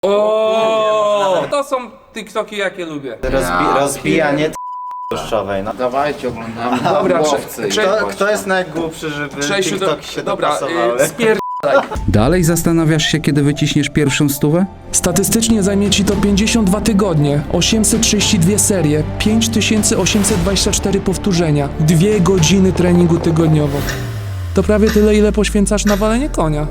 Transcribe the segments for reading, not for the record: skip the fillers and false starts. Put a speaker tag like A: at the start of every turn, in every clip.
A: O, to są TikToki, jakie lubię.
B: Rozbijanie tłuszczowej, no.
C: Dawajcie, oglądamy
A: Dobra,
C: łowcy.
B: Kto jest najgłupszy, żeby TikToki się dopasowały?
D: Dalej zastanawiasz się, kiedy wyciśniesz pierwszą stówę?
E: Statystycznie zajmie ci to 52 tygodnie, 832 serie, 5824 powtórzenia, 2 godziny treningu tygodniowo. To prawie tyle, ile poświęcasz na walenie konia.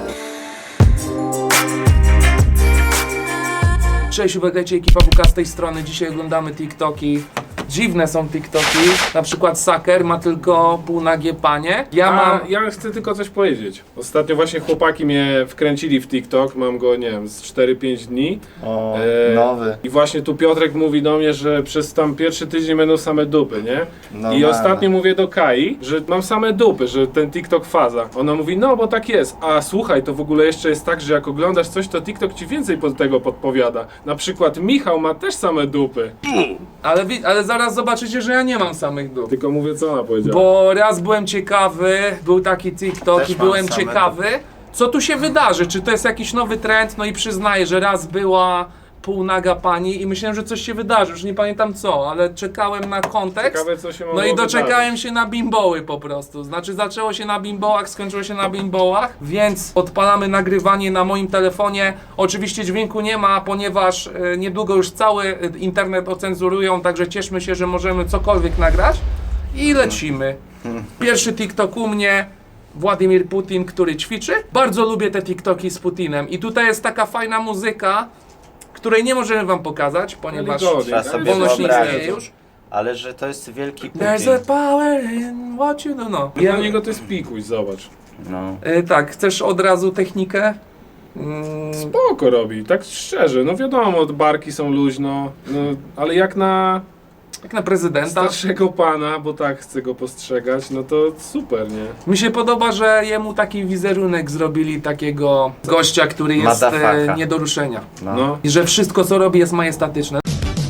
A: Cześć, uwagajcie, ekipa WK z tej strony. Dzisiaj oglądamy TikToki. Dziwne są TikToki. Na przykład Saker ma tylko półnagie panie.
F: Ja chcę tylko coś powiedzieć. Ostatnio właśnie chłopaki mnie wkręcili w TikTok, mam go, nie wiem, z 4-5 dni.
B: O, nowy.
F: I właśnie tu Piotrek mówi do mnie, że przez tam pierwszy tydzień będą same dupy, nie?
B: No
F: I ostatnio mówię do Kai, że mam same dupy, że ten TikTok faza. Ona mówi, no bo tak jest. A słuchaj, to w ogóle jeszcze jest tak, że jak oglądasz coś, to TikTok ci więcej pod tego podpowiada. Na przykład Michał ma też same dupy.
A: Ale zaraz zobaczycie, że ja nie mam samych dup.
F: Tylko mówię, co ona powiedziała.
A: Bo raz byłem ciekawy, był taki TikTok
B: Też
A: i
B: mam
A: byłem
B: same
A: ciekawy, co tu się wydarzy, czy to jest jakiś nowy trend, no i przyznaję, że raz była półnaga pani i myślałem, że coś się wydarzy, już nie pamiętam co, ale czekałem na kontekst.
F: Ciekawe, co się
A: No
F: mogło
A: i doczekałem
F: wydarzyć.
A: się na bimboły po prostu. Znaczy zaczęło się na bimbołach, skończyło się na bimbołach, więc odpalamy nagrywanie na moim telefonie. Oczywiście dźwięku nie ma, ponieważ niedługo już cały internet ocenzurują, także cieszmy się, że możemy cokolwiek nagrać i lecimy. Pierwszy TikTok u mnie. Władimir Putin, który ćwiczy. Bardzo lubię te TikToki z Putinem i tutaj jest taka fajna muzyka, której nie możemy wam pokazać, ponieważ
B: Trzeba sobie
A: wolność nie
B: wyobrazić.
A: istnieje już.
B: Ale że to jest wielki Putin.
A: There's a power in what you do know.
F: Dla niego to jest pikuś, zobacz.
B: No.
A: Tak, chcesz od razu technikę?
F: Spoko robi, tak szczerze, no wiadomo, barki są luźno, no, ale jak na
A: Jak na prezydenta.
F: starszego pana, bo tak chcę go postrzegać, no to super, nie?
A: Mi się podoba, że jemu taki wizerunek zrobili takiego gościa, który jest
B: Motherfucker.
A: nie do ruszenia.
F: No.
A: I że wszystko co robi jest majestatyczne.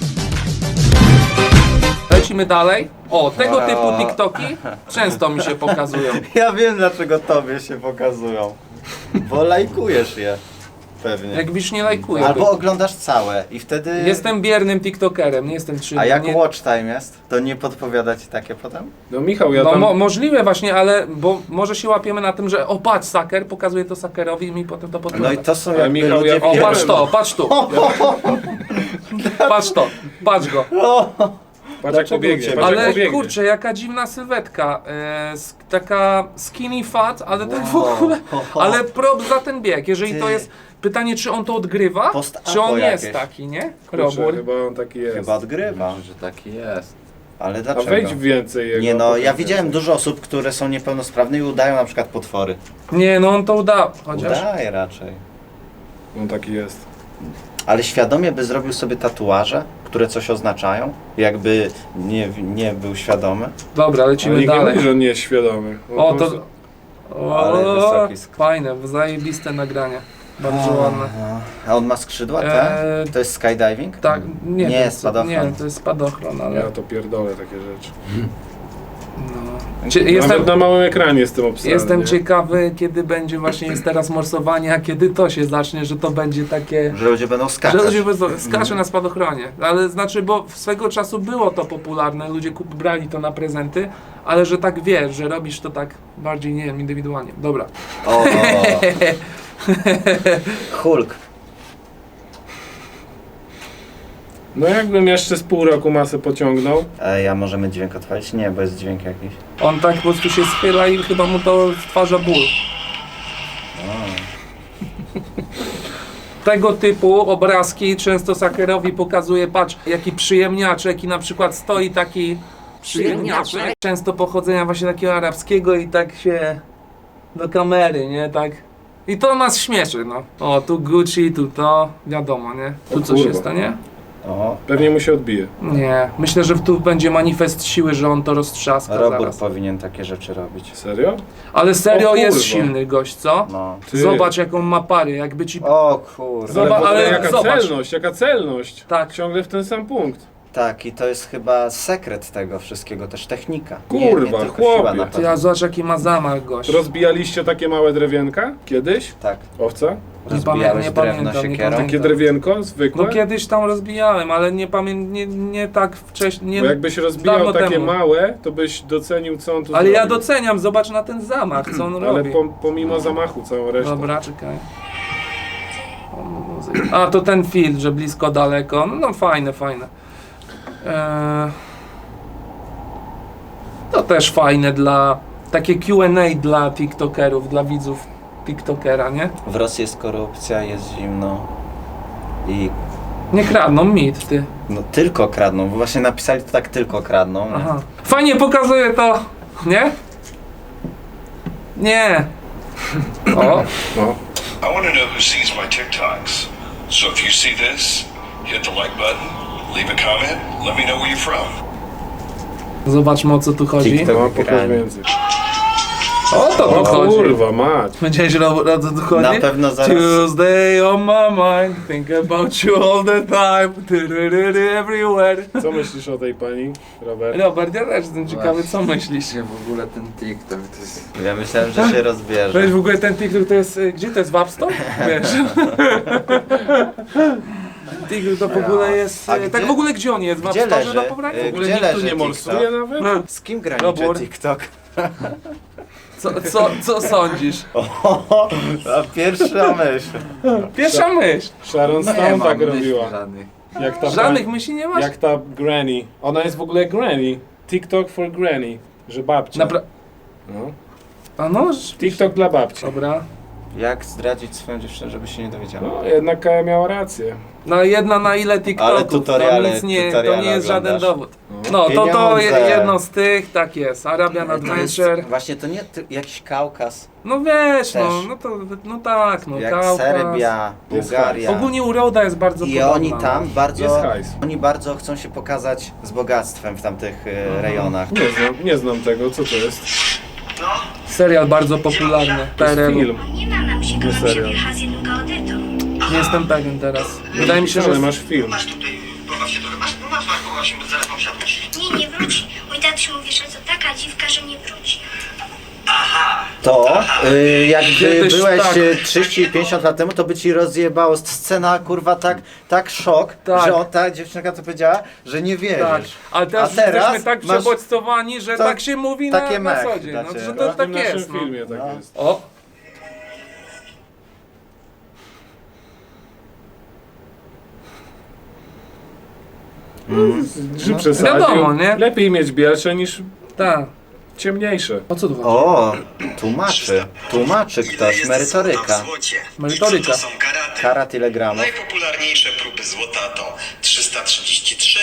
A: Lecimy dalej. O, tego typu TikToki często mi się pokazują.
B: Ja wiem, dlaczego tobie się pokazują. Bo lajkujesz je. Pewnie.
A: Jak wiesz, nie lajkuję.
B: Albo oglądasz całe i wtedy...
A: Jestem biernym TikTokerem, nie jestem czynnym.
B: A jak
A: nie...
B: watch time jest, to nie podpowiada ci takie potem?
F: No Michał, ja
A: No
F: tam...
A: możliwe właśnie, ale bo może się łapiemy na tym, że o patrz Saker, pokazuje to Sakerowi i mi potem to podgląda.
B: No i to są
F: Ale
B: jakby
F: Michał,
B: ludzie...
F: ja
A: O,
F: wiem.
A: patrz to, patrz tu. Patrz to, patrz go.
F: Patrz jak pobiegnie, patrz jak
A: Ale
F: pobiegnie.
A: kurczę, jaka dziwna sylwetka. Taka skinny fat, ale tak w ogóle. Ale prop za ten bieg. Jeżeli to
B: Ty.
A: jest pytanie, czy on to odgrywa,
B: Post-apo
A: czy on jest
B: jakieś.
A: taki, nie?
F: Kurczę,
A: Robór.
F: chyba on taki jest.
B: Chyba odgrywa.
C: Że taki jest.
B: Ale
F: A
B: dlaczego?
F: wejdź więcej jego.
B: Nie no, ja
F: opowiedz
B: widziałem
F: więcej.
B: dużo osób, które są niepełnosprawne i udają na przykład potwory.
A: Nie, no on to uda. Chociaż.
B: Udaje raczej.
F: On taki jest.
B: Ale świadomie by zrobił sobie tatuaże, które coś oznaczają, jakby nie był świadomy.
A: Dobra,
F: Ale
A: lecimy
F: nikt nie
A: dalej.
F: mówi, że on nie jest świadomy. On
A: O,
F: po
A: to.
F: prostu-
B: Ale wysoki skok.
A: Fajne, zajebiste nagranie. Bardzo ładne.
B: A on ma skrzydła, te?
A: Eee,
B: To jest skydiving?
A: Tak, nie,
B: Nie,
A: to jest
B: spadochron.
A: Nie, to jest spadochron, ale.
F: Ja to pierdolę takie rzeczy.
A: Jestem,
F: Nawet na małym ekranie jestem obsrany.
A: Jestem
F: nie?
A: ciekawy, kiedy będzie właśnie jest teraz morsowanie, a kiedy to się zacznie, że to będzie takie.
B: Że ludzie będą
A: Że
B: skakać.
A: ludzie skaczą na spadochronie. Ale znaczy, bo swego czasu było to popularne, ludzie brali to na prezenty, ale że tak wiesz, że robisz to tak bardziej, nie wiem, indywidualnie. Dobra.
B: O, Hulk.
F: No jakbym jeszcze z pół roku masę pociągnął,
B: Ej, a możemy dźwięk otworzyć? Nie, bo jest dźwięk jakiś.
A: On tak po prostu się schyla i chyba mu to stwarza ból. Tego typu obrazki często Sakerowi pokazuje, patrz, jaki przyjemniaczek i na przykład stoi taki przyjemniaczek, często pochodzenia właśnie takiego arabskiego i tak się do kamery, nie, tak. I to nas śmieszy, no. O, tu Gucci, tu to, wiadomo, nie? Tu
F: O
A: coś
F: kurwa.
A: jest, to nie?
B: O,
F: pewnie mu się odbije.
A: Nie, myślę, że tu będzie manifest siły, że on to roztrzaska
B: robór
A: zaraz.
B: powinien takie rzeczy robić.
F: Serio?
A: Ale serio
F: O
A: jest
F: kurwa.
A: silny gość, co?
B: No.
F: Ty.
A: Zobacz jaką ma pary, jakby ci...
B: O kurwa.
A: Zobacz,
F: w ogóle
A: ale
F: jaka
A: zobacz.
F: celność, jaka celność.
A: Tak.
F: Ciągle w ten sam punkt.
B: Tak, i to jest chyba sekret tego wszystkiego, też technika.
F: Kurwa,
B: tylko
F: chłopie.
B: siła na
A: Ty,
B: pewno.
A: ja zobacz jaki ma zamach gość.
F: Rozbijaliście takie małe drewienka? Kiedyś?
B: Tak,
F: Owca?
B: Rozbijałeś
A: nie
B: drewno
A: pamiętam, nie
B: siekierą?
A: pamiętam.
F: Takie drewienko zwykłe?
A: No kiedyś tam rozbijałem, ale nie tak wcześniej.
F: Bo jakbyś rozbijał
A: dawno
F: takie
A: temu.
F: małe, to byś docenił, co on tu
A: Ale ja
F: zrobił.
A: doceniam, zobacz na ten zamach, co on
F: Ale
A: robi.
F: pomimo zamachu całą resztę.
A: Dobra, czekaj. A, to ten filtr, że blisko, daleko. No fajne. To też fajne dla... Takie Q&A dla tiktokerów, dla widzów tiktokera, nie?
B: W Rosji jest korupcja, jest zimno i
A: Nie kradną mit, ty.
B: no tylko kradną, bo właśnie napisali to tak tylko kradną. nie?
A: Aha. Fajnie pokazuje to, nie? Nie. O,
F: No.
C: I want to know who sees my TikToks. So if you see this, hit the like button, leave a comment, let me know where you're from.
A: zobaczmy, o co tu chodzi.
B: TikTok.
F: No, pokaż
B: Granie.
F: więcej.
A: O to tu
F: O
A: chodzi.
F: kurwa, mać.
A: Będziesz o co tu chodzi?
B: Na pewno zaraz-
A: Tuesday on my mind, think about you all the time, everywhere.
F: Co myślisz o tej pani, Robert?
A: Robert, ja też jestem ciekawy, co myślisz?
G: Nie, w ogóle ten TikTok to jest...
B: Ja myślałem, że się rozbierze.
A: Weź w ogóle ten TikTok to jest, gdzie to jest, w App Store? Wiesz. TikTok to w ogóle jest,
B: A
A: tak
B: gdzie-
A: w ogóle gdzie on jest? W App
B: Gdzie
A: Store
B: leży?
A: na pobranie?
F: W ogóle
B: Gdzie
F: nikt tu
B: leży
F: nie
B: TikTok?
F: morsuje nawet?
A: No.
B: Z kim graniczy
A: Robór.
B: TikTok?
A: Co sądzisz?
B: A pierwsza myśl.
A: Pierwsza myśl.
F: Sharon
G: Nie
F: Stone
G: mam
F: tak
G: myśli
F: robiła.
G: żadnych.
F: Jak ta
A: Żadnych
F: pani-
A: myśli nie masz?
F: Jak ta granny. Ona jest w ogóle granny. TikTok for granny. Że babcia. No.
A: A no,
F: TikTok dla babci.
A: dobra.
B: Jak zdradzić swoją dziewczynę, żeby się nie dowiedziała?
F: No, jednak Kaja miała rację.
A: No jedna na ile TikToków,
B: Ale tutoriale-
A: to nic nie, to
B: tutoriale
A: nie jest żaden
B: oglądasz.
A: dowód. No to
B: Pieniądze.
A: jedno z tych, tak jest, Arabian
B: To jest
A: Adventure.
B: właśnie to nie jakiś Kaukaz,
A: No wiesz,
B: Też.
A: no tak, no
B: jak
A: Kaukaz.
B: Serbia,
F: Jest
B: Bułgaria.
A: Ogólnie uroda jest bardzo
B: I
A: podobna.
B: oni tam
F: Jest
B: bardzo,
F: hajs.
B: oni bardzo chcą się pokazać z bogactwem w tamtych rejonach.
F: Nie znam tego, co to jest.
A: Serial bardzo popularny,
F: To jest
A: PRL.
F: film.
H: Nie ma nam się
F: Nie serio.
H: jechać z jednego audytu.
A: Nie jestem pewien teraz. Wydaje mi się, że...
F: Ale masz film.
C: Masz tutaj, masz właśnie, bo zaraz mam siadać.
H: Nie wróci. Mój tatuś mówi, że to taka dziwka, że nie wróci.
B: To, jakby
A: Kiedyś
B: byłeś
A: tak.
B: 30-50 lat temu, to by ci rozjebało scena, kurwa, tak szok,
A: Tak.
B: że ta dziewczynka to powiedziała, że nie wierzysz.
A: Tak, ale teraz,
B: A teraz
A: jesteśmy tak
B: masz
A: przebodźcowani, że
B: to-
A: tak się mówi na
B: takie
A: na
B: mechy
A: co dzień.
B: dla
A: No,
B: ciebie.
A: że
F: W
A: to tak
F: naszym
A: jest. No.
F: filmie tak
B: No.
F: jest.
A: O,
F: Czy przesadził?
A: Wiadomo, nie?
F: Lepiej mieć bielsze niż
A: tak.
F: ciemniejsze.
A: O co tu chodzi?
B: O, tłumaczy ktoś, merytoryka.
A: Merytoryka.
C: To są karaty.
B: Karat ile gramów?
C: Najpopularniejsze próby złota to 333,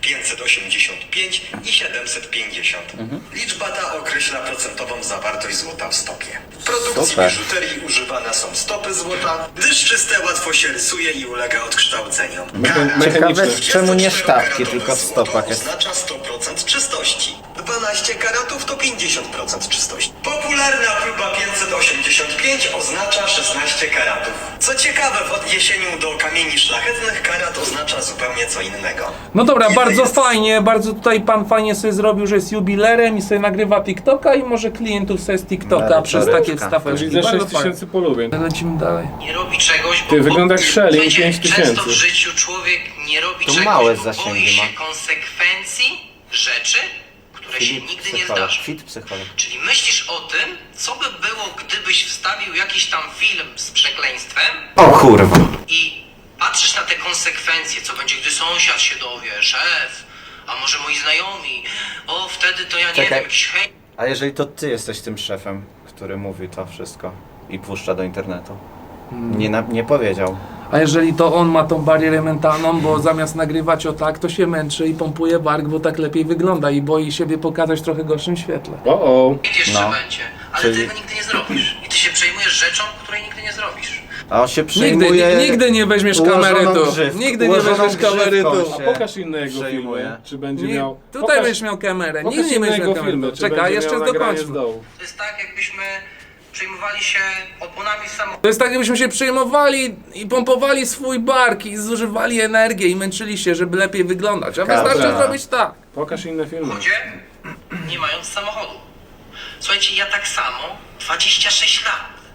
C: 585 i 750. Liczba ta określa procentową zawartość złota w stopie. W produkcji
B: Super.
C: biżuterii używane są stopy złota, gdyż czyste łatwo się rysuje i ulega odkształceniom.
B: Ciekawe,
C: Karat
B: czemu nie
C: 24-karatowe
B: sztabki, tylko w
C: złoto
B: stopach jest.
C: oznacza 100% czystości. 12 karatów to 50% czystości. Popularna próba 585 oznacza 16 karatów. Co ciekawe, w odniesieniu do kamieni szlachetnych karat oznacza zupełnie co innego.
A: No dobra,
C: Ile
A: bardzo
C: jest-
A: fajnie, bardzo tutaj pan fajnie sobie zrobił, że jest jubilerem i sobie nagrywa TikToka i może klientów sobie z TikToka
B: Merytoryka.
A: przez takie wstaweczki.
F: Widzę
A: Bardzo
F: 6000 polubień.
A: fajnie. Lecimy dalej.
I: Nie robi czegoś, bo...
F: Ty, wygląda jak Shelly,
I: Wiecie,
F: 5000.
I: Często w życiu człowiek nie robi
B: To
I: czegoś,
B: małe
I: bo
B: zasięgi
I: boi się
B: ma.
I: konsekwencji rzeczy, które się
B: Fit
I: nigdy nie
B: psycholog,
I: zdarzą.
B: fit psycholog.
I: Czyli myślisz o tym, co by było, gdybyś wstawił jakiś tam film z przekleństwem
B: O kurwa.
I: i patrzysz na te konsekwencje, co będzie, gdy sąsiad się dowie, szef, a może moi znajomi, o wtedy to ja nie
B: Czekaj.
I: wiem, jakiś hej...
B: A jeżeli to ty jesteś tym szefem, który mówi to wszystko i puszcza do internetu? Nie powiedział.
A: A jeżeli to on ma tą barierę mentalną, bo zamiast nagrywać o tak, to się męczy i pompuje bark, bo tak lepiej wygląda i boi siebie pokazać w trochę gorszym świetle.
F: O.
I: jeszcze
B: No.
I: będzie, ale
B: Czyli-
I: ty tego nigdy nie zrobisz. I ty się przejmujesz rzeczą, której nigdy nie zrobisz.
B: A on się przejmuje...
A: Nigdy nie weźmiesz
B: ułożoną
A: kamery tu.
B: grzywką-
A: Nigdy nie
B: ułożoną
A: weźmiesz kamery
B: grzywką
A: tu.
B: się
F: A pokaż innego
B: przejmuje.
F: filmu. Czy będzie
A: Nie,
F: miał...
A: tutaj
F: pokaż-
A: będziesz miał kamerę.
F: Pokaż
A: Nigdy nie będziesz
F: innego
A: miał
F: filmu.
A: kamery.
F: Czy
A: Czekaj,
F: będzie
A: jeszcze
F: miał nagranie
A: dokończmy.
F: z dołu.
I: To jest tak, jakbyśmy przejmowali się oponami samochodu.
A: To jest tak, jakbyśmy się przejmowali i pompowali swój bark i zużywali energię i męczyli się, żeby lepiej wyglądać. A wystarczy
B: Dobra.
A: zrobić tak.
F: Pokaż inne filmy.
I: Ludzie, nie mając samochodu. Słuchajcie, ja tak samo 26 lat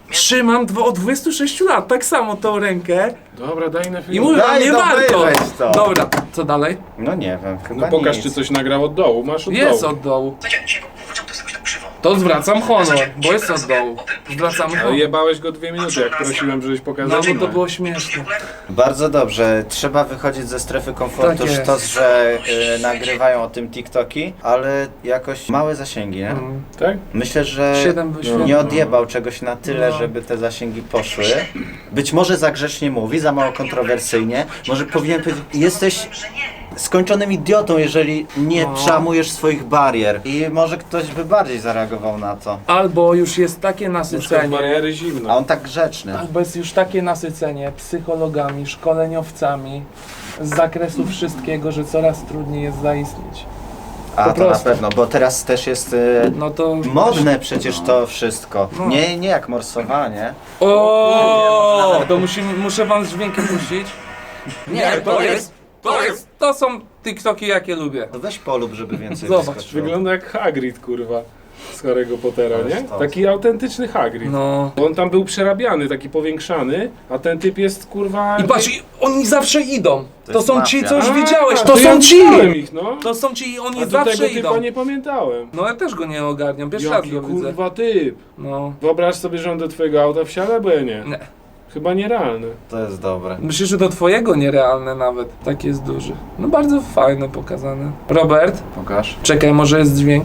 A: Trzymam od 26 lat, tak samo tą rękę
F: Dobra, daj na film.
A: i mówię,
B: Daj,
A: nie
B: no
A: warto.
B: weź to.
A: Dobra, co dalej?
B: No nie wiem, chyba
F: No pokaż,
B: nic.
F: czy coś nagrał od dołu. Masz od
A: Jest
F: dołu.
A: od dołu.
C: Słuchajcie, dzisiaj go to jest jakoś tak krzywo.
A: To zwracam honor, bo jest od dołu. Zwracamy
F: Ale
A: honor.
F: jebałeś go 2 minuty, jak prosiłem, żebyś
A: No
F: pokazał.
A: bo to było śmieszne.
B: Bardzo dobrze, trzeba wychodzić ze strefy komfortu.
A: Tak jest.
B: Sztos, że nagrywają o tym TikToki, ale jakoś małe zasięgi, nie?
F: Tak?
B: Myślę, że
A: 7 wyświetleń.
B: nie odjebał czegoś na tyle,
A: No.
B: żeby te zasięgi poszły. Być może za grzecznie mówi, za mało kontrowersyjnie. Może powinien powiedzieć, jesteś skończonym idiotą, jeżeli nie
A: No.
B: przełamujesz swoich barier. I może ktoś by bardziej zareagował na to.
A: Albo już jest takie
F: Na przykład
A: nasycenie.
F: bariery
B: A
F: zimno.
B: on tak grzeczny.
A: Albo jest już takie nasycenie psychologami, szkoleniowcami z zakresu wszystkiego, że coraz trudniej jest zaistnieć.
B: A
A: po
B: to na
A: prostu.
B: pewno, bo teraz też jest
A: No to...
B: modne przecież to wszystko.
A: No.
B: Nie jak morsowanie.
A: O, to muszę wam z dźwiękiem puścić. Nie, to są TikToki, jakie lubię.
B: To weź polub, żeby więcej
A: Zobacz,
B: wyskoczyło.
F: Wygląda jak Hagrid, kurwa. Z Harry'ego Pottera,
B: To
F: nie?
B: jest to.
F: Taki autentyczny Hagrid.
A: No.
F: Bo on tam był przerabiany, taki powiększany, a ten typ jest, kurwa...
A: I patrz, oni zawsze idą.
B: To
A: To
B: jest
A: są ci,
B: mafia.
A: co już
F: A,
A: widziałeś.
F: to
A: To
F: ja
A: są ci!
F: widziałem ich, no.
A: To są ci i oni
F: A do
A: zawsze
F: tego typa
A: idą.
F: nie pamiętałem.
A: No ja też go nie ogarniam, pierwszy raz
F: Jaki
A: go widzę.
F: kurwa typ.
A: No.
F: Wyobraź sobie, że on do twojego auta wsiada, bo ja nie.
A: Nie.
F: Chyba nierealne.
B: To jest dobre.
A: Myślę, że do twojego nierealne nawet. Tak jest duży. No bardzo fajne pokazane. Robert,
B: Pokaż.
A: czekaj, może jest dźwięk.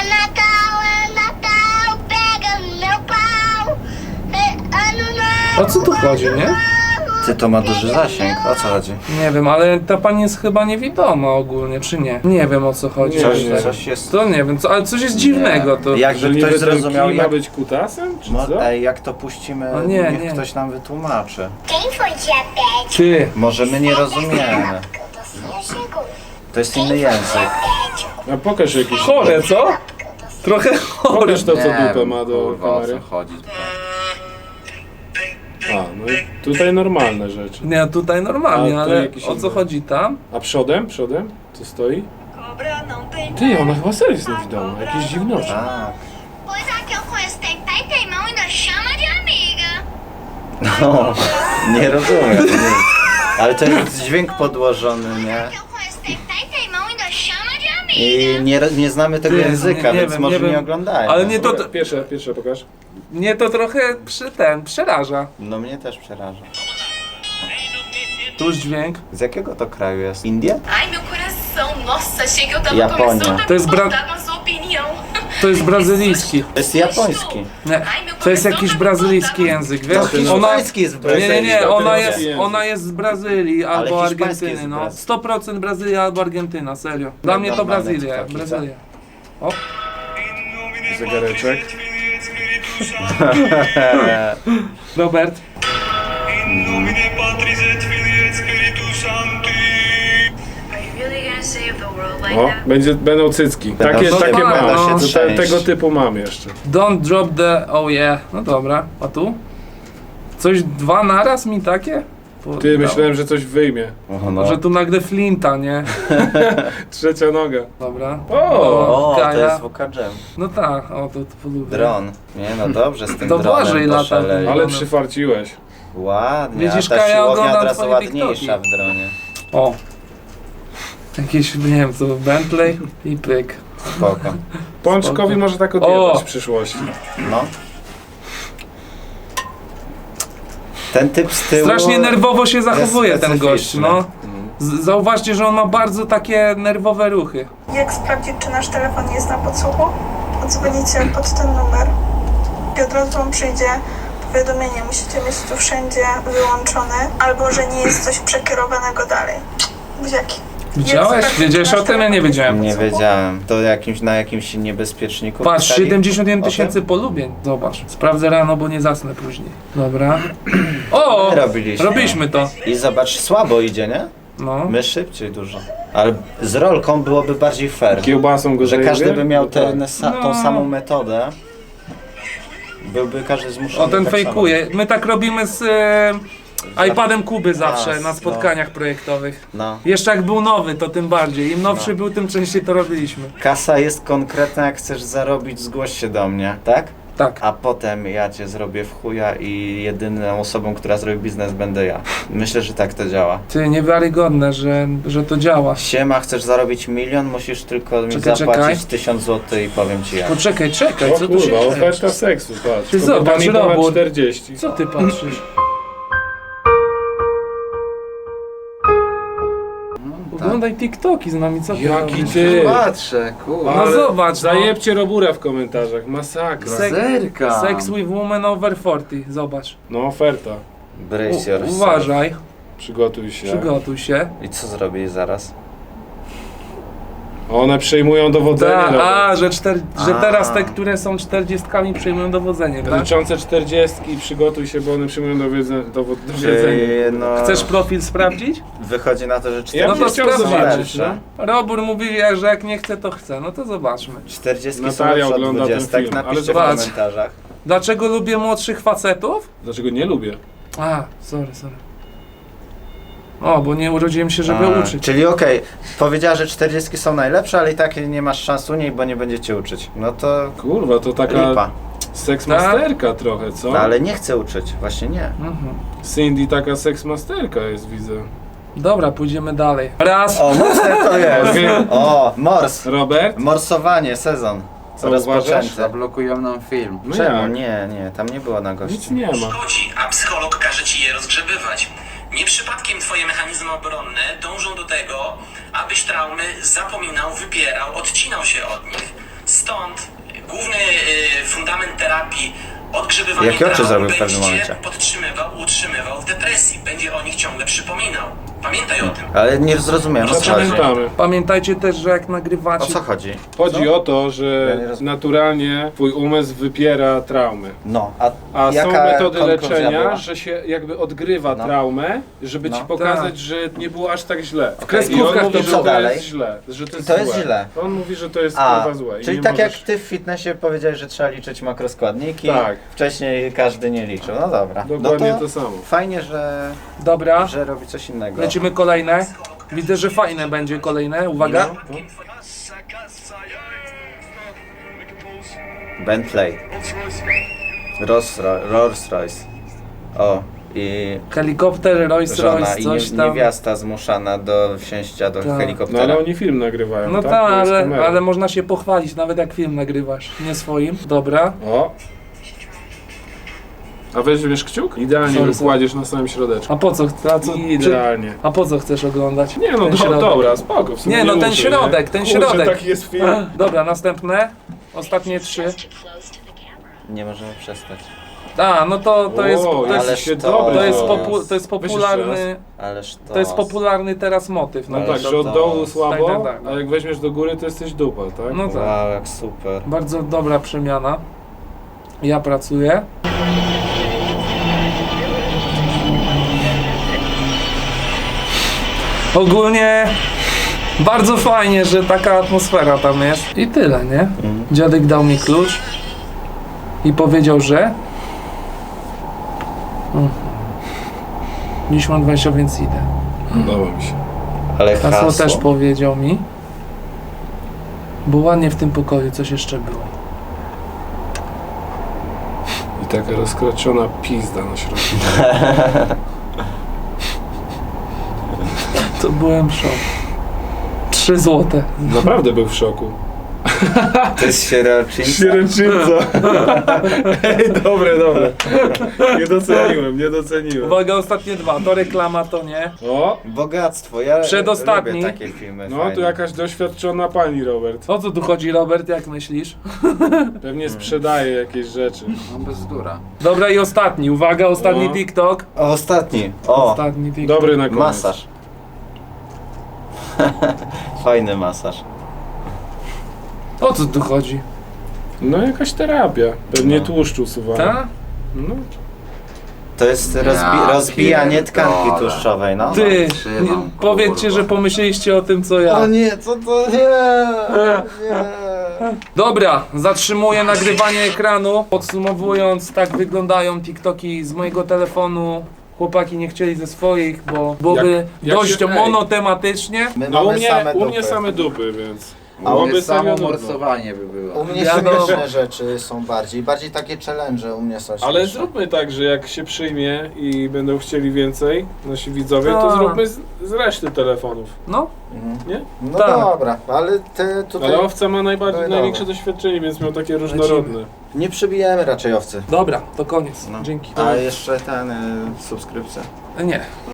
H: pega no meu pau.
A: O co tu chodzi, nie?
B: Ty, to ma duży zasięg. O co chodzi?
A: Nie wiem, ale ta pani jest chyba niewidoma ogólnie, czy nie? Nie wiem o co chodzi.
F: Nie,
B: Coś,
F: nie.
B: coś jest...
A: To nie wiem, ale coś jest dziwnego to.
F: Że
B: Jakby
F: niby
B: ktoś
F: ten
B: zrozumiał,
F: kij ma
B: jak...
F: być kutasem, czy co?
B: Ej, jak to puścimy,
A: O nie,
B: niech
A: nie.
B: ktoś nam wytłumaczy.
H: Quem foi diabético?
A: Ty,
B: Może my nie rozumiemy.
H: Eu tô sem chegou.
B: To jest inny język.
F: A pokaż jakiś...
A: chore, co? Trochę chore.
F: Pokaż to, co
B: Nie
F: dupę
B: wiem,
F: ma do
B: kurwa, o
F: kamery.
B: co chodzi.
F: A, no i tutaj normalne rzeczy.
A: Nie, tutaj normalnie,
F: A, to
A: ale
F: jakiś
A: o co
F: inny.
A: chodzi tam?
F: A przodem? Przodem? Co stoi? Ty, ona chyba serio jest niewidoma. Jakieś dziwności.
B: Tak.
H: Pois a que eu conheço tem pai e tem mão e ainda chama de amiga.
B: No, nie rozumiem. Nie. Ale to jest dźwięk podłożony, nie?
H: Que eu conheço tem pai e tem mão e ainda chama de amiga.
B: I nie znamy tego
A: Ty,
B: języka,
A: nie
B: więc
A: wiem,
B: może
A: nie
B: nie
A: wiem.
B: oglądają.
A: Ale nie to,
F: Dobra, pierwsze pokaż.
A: mnie to trochę przeraża.
B: No mnie też przeraża.
A: Tuż dźwięk.
B: Z jakiego to kraju jest? Indie?
J: Ai, meu coração. Nossa, achei que eu tava
B: Japonia.
J: começando a
A: To jest
J: concordar com a sua opinião.
A: To jest brazylijski.
B: To jest japoński.
A: Nie, to jest jakiś brazylijski język, wiesz?
B: No,
A: Ona...
B: hiszpański jest w Brazylii.
A: Nie,
F: Brazylijski
A: ona jest z Brazylii albo
B: hiszpański
A: Argentyny,
B: jest
A: no.
B: Brazylii.
A: 100% Brazylia albo Argentyna, serio. Dla mnie to
B: Normalne
A: Brazylia,
B: TikToki, co?
A: Brazylia. O,
F: Zegareczek.
A: Robert.
J: Are you really gonna save the world like
F: O,
J: that?
F: będą cycki.
B: Będą
F: Takie
B: się-
F: mam.
A: będą się
F: To
B: trzęść.
F: tego typu mam jeszcze.
A: Don't drop the... Oh yeah. No dobra, a tu? Coś dwa naraz mi takie?
F: Ty, myślałem, że coś wyjmie.
B: O, no.
A: Że tu nagle flinta, nie?
F: Trzecia noga.
A: Dobra.
B: O, to
A: Kaja.
B: jest Wuka Jam.
A: No tak, o to polubię.
B: Dron. Nie no dobrze, z tym
A: To
B: dronem
A: Błażej lata.
B: poszaleli.
F: Ale
A: No.
F: przyfarciłeś.
B: Ładnie,
A: Widzisz,
B: a ta
A: Kaja
B: siłownia
A: ogląda
B: od razu
A: twoje
B: ładniejsza w
A: TikToki.
B: dronie.
A: O. Jakieś, nie wiem co, Bentley i pyk.
B: Spoko.
F: Pączkowi może tak odjebać
A: O!
F: w przyszłości.
B: No. Ten typ z tyłu...
A: Strasznie nerwowo się zachowuje ten gość,
B: specyficzny.
A: no. Zauważcie, że on ma bardzo takie nerwowe ruchy.
K: Jak sprawdzić, czy nasz telefon jest na podsłuchu? Odzwonicie pod ten numer i od razu wam przyjdzie powiadomienie. Musicie mieć tu wszędzie wyłączone, albo że nie jest coś przekierowanego dalej. Buziaki.
A: Widziałeś? Wiedziałeś o tym? Ja nie wiedziałem.
B: Nie wiedziałem. To na jakimś niebezpieczniku
A: Patrz,
B: pisali
A: 71
B: o tym?
A: tysięcy polubień. Zobacz. Sprawdzę rano, bo nie zasnę później. Dobra. O!
B: My robiliśmy.
A: Robiliśmy to.
B: I zobacz, słabo idzie, nie?
A: No.
B: My szybciej dużo. Ale z rolką byłoby bardziej fair.
F: Kiełbasą go
B: Że każdy
F: zajebie?
B: by miał
F: No tak.
B: tą
A: No.
B: samą metodę. Byłby każdy zmuszony.
A: O, ten
B: tak
A: fejkuje. My tak robimy z iPadem Kuby zawsze
B: Raz,
A: na spotkaniach projektowych.
B: samo. No.
A: Jeszcze jak był nowy, to tym bardziej. Im nowszy był, tym częściej to robiliśmy.
B: Kasa jest konkretna, jak chcesz zarobić, zgłoś się do mnie, tak?
A: Tak.
B: a potem ja cię zrobię w chuja i jedyną osobą, która zrobi biznes będę ja. Myślę, że tak to działa.
A: Ty, niewiarygodne, że to działa.
B: Siema, chcesz zarobić 1 000 000, musisz tylko mi
A: Czekaj,
B: zapłacić
A: czekaj.
B: 1000 zł i powiem ci jak.
A: Poczekaj,
F: O
A: co tu się
F: kurwa,
A: dzieje?
F: oferta seksu, patrz.
A: Ty
F: Kobieta
A: zobacz,
F: mi dała
A: robót.
F: 40.
A: Co ty patrzysz? Oglądaj TikToki z nami, co ty
F: Jaki
A: robisz?
F: ty!
G: Patrzę, kurwa.
A: No zobacz, no.
F: Zajebcie Robura w komentarzach, masakra.
G: Zerka.
A: Sex with woman over 40, zobacz.
F: No oferta.
B: Brace yourself.
A: Uważaj,
F: Przygotuj się.
A: przygotuj się.
B: I co zrobisz zaraz?
F: One przejmują dowodzenie. Robert.
A: Że teraz te, które są 40 przejmują dowodzenie, tak?
F: Liczące 40 przygotuj się, bo one przyjmują dowiedzenie.
B: No,
A: Chcesz profil sprawdzić?
B: wychodzi na to, że
F: Ja
B: 40
A: No
F: bym
A: to
F: chciał
A: sprawdź.
F: zobaczyć, no.
A: Robór mówi, że jak nie chce, to chce. No to zobaczmy.
B: 40 są
F: Natalia
B: lepsze od
F: ogląda ten
B: 20.
F: film, ale
B: Napiszcie w
A: zobacz.
B: komentarzach.
A: Dlaczego lubię młodszych facetów?
F: Dlaczego nie lubię?
A: Sorry. O, bo nie urodziłem się, żeby uczyć.
B: Czyli okej, powiedziała, że 40 są najlepsze, ale i tak nie masz szans u niej, bo nie będzie uczyć. No to
F: Kurwa, to taka
B: lipa.
F: seksmasterka trochę, co?
B: No ale nie chcę uczyć, właśnie nie.
A: Mhm.
F: Cindy taka seksmasterka jest, widzę.
A: Dobra, pójdziemy dalej. Raz.
B: O, mocne to jest! O, mors!
F: Robert?
B: Morsowanie, sezon.
F: Co
B: Rozpoczęty.
F: uważasz?
G: Zablokują nam film.
F: No
B: Czemu?
F: jak?
B: Nie, tam nie było na gości.
F: Nic nie ma.
C: Szkodzi, a psycholog każe ci je rozgrzebywać. Nie przypadkiem twoje mechanizmy obronne dążą do tego, abyś traumy zapominał, wypierał, odcinał się od nich. Stąd główny fundament terapii odgrzebywanie
B: Jakie oczy
C: traum
B: zrobił w
C: będzie
B: pewnym momencie?
C: cię utrzymywał w depresji. Będzie o nich ciągle przypominał. Pamiętaj o tym.
B: Ale nie zrozumiałem, o co chodzi.
F: Zapamiętamy.
A: Pamiętajcie też, że jak
B: O
A: nagrywacie...
B: co chodzi?
F: Chodzi o to, że
B: Ja nie rozumiem.
F: naturalnie twój umysł wypiera traumy.
B: No,
F: A są
B: jaka
F: metody
B: konkluzja
F: leczenia,
B: była?
F: że się jakby odgrywa
B: No.
F: traumę, żeby ci
B: No.
F: pokazać,
A: Tak.
F: że nie było aż tak źle.
A: W kreskówkach
F: I on mówi,
A: to
F: że
B: co
F: to
B: dalej?
F: jest źle, że to jest,
B: To jest
F: złe.
B: źle.
F: On mówi, że to jest
B: A,
F: kurwa złe. i
B: czyli
F: nie
B: tak
F: możesz...
B: jak ty w fitnessie powiedziałeś, że trzeba liczyć makroskładniki,
F: Tak.
B: wcześniej każdy nie liczył. No dobra.
F: Dokładnie
B: no
F: to samo.
B: Fajnie, że
A: Dobra,
B: robi coś innego.
A: lecimy kolejne. Widzę, że fajne będzie kolejne. Uwaga.
F: No.
B: Bentley. Rolls Royce. O, i
A: Helikopter, Rolls
B: żona
A: Royce,
B: i
A: coś tam.
B: niewiasta zmuszana do wsięcia do
A: Tak.
F: No
B: helikoptera.
F: ale oni film nagrywają,
A: No
F: tak?
A: tak,
F: To jest kamera.
A: ale można się pochwalić, nawet jak film nagrywasz, nie swoim. Dobra.
F: O! A weźmiesz kciuk? Idealnie
A: Sorry,
F: wykładziesz na samym środeczku.
A: A po co?
F: Idealnie.
A: A po co chcesz oglądać?
F: Nie no,
A: ten środek?
F: dobra, spoko. W sumie
A: Nie no, ten
F: muszę,
A: środek,
F: nie?
A: ten
F: Kurczę,
A: środek.
F: taki jest film.
A: Dobra, następne. Ostatnie 3.
B: Nie możemy przestać.
A: No to jest...
F: O,
A: To jest,
B: ależ
F: się
B: to-
F: dobry
A: to jest,
F: zaraz.
A: to jest popularny...
B: Ależ
A: To jest popularny teraz motyw.
F: No
B: Ale
F: tak,
B: to-
F: że od dołu słabo,
A: tak.
F: a jak weźmiesz do góry, to jesteś dupa, tak?
A: No tak.
B: Wow, jak super.
A: Bardzo dobra przemiana. Ja pracuję. Ogólnie bardzo fajnie, że taka atmosfera tam jest. I tyle, nie? Dziadek dał mi klucz i powiedział, że dziś mam 20, więc idę.
F: Podoba mi się.
B: Ale
A: Hasło
B: hasło.
A: też powiedział mi. Bo ładnie w tym pokoju coś jeszcze było.
F: I taka rozkraczona pizda na środku.
A: To byłem w szoku. 3 złote.
F: Naprawdę był w szoku.
B: To jest sierocińca.
F: Sieręczyńca. Ej, dobre. Nie doceniłem.
A: Uwaga, ostatnie 2. To reklama, to nie.
F: O,
B: Bogactwo, ja
A: Przedostatni.
B: lubię takie filmy.
F: no
B: fajne.
F: tu jakaś doświadczona pani, Robert.
A: O co tu chodzi, Robert? Jak myślisz?
F: Pewnie sprzedaje jakieś rzeczy.
G: No bezdura.
A: Dobra, i ostatni. Uwaga, ostatni
F: No.
A: TikTok.
B: O, ostatni. O,
A: Ostatni TikTok.
F: Dobry na koniec.
B: masaż. Fajny masaż.
A: O co tu chodzi?
F: No jakaś terapia. Pewnie
B: No.
F: tłuszcz usuwania.
A: Ta?
F: No.
B: To jest
G: Ja
B: rozbijanie
G: pierdolę.
B: tkanki tłuszczowej, no.
A: Ty,
G: trzymam,
A: nie, powiedzcie,
G: kurwa.
A: że pomyśleliście o tym, co ja.
B: nie, co to? Nie.
A: Dobra, zatrzymuję nagrywanie ekranu. Podsumowując, tak wyglądają TikToki z mojego telefonu. Chłopaki nie chcieli ze swoich, bo byłoby
F: Jak
A: dość
F: się-
A: monotematycznie.
B: My
F: No
B: mamy
F: u mnie same dupy, więc... Byłoby
G: Samo
F: serio nudno.
G: morsowanie by było.
B: U mnie
A: Wiadomo.
B: śmieszne rzeczy są bardziej takie challenge u mnie są śmieszne.
F: Ale zróbmy tak, że jak się przyjmie i będą chcieli więcej, nasi widzowie, to
A: Tak.
F: zróbmy z reszty telefonów.
A: No,
F: Nie?
B: No
A: Tak.
B: dobra, ale te tutaj
F: Ale owca ma
B: No i
F: największe doświadczenie, więc miał takie różnorodne.
B: nie przybijemy raczej owcy.
A: dobra, to koniec.
B: No.
A: Dzięki.
B: A jeszcze ten subskrypcja.
A: Nie.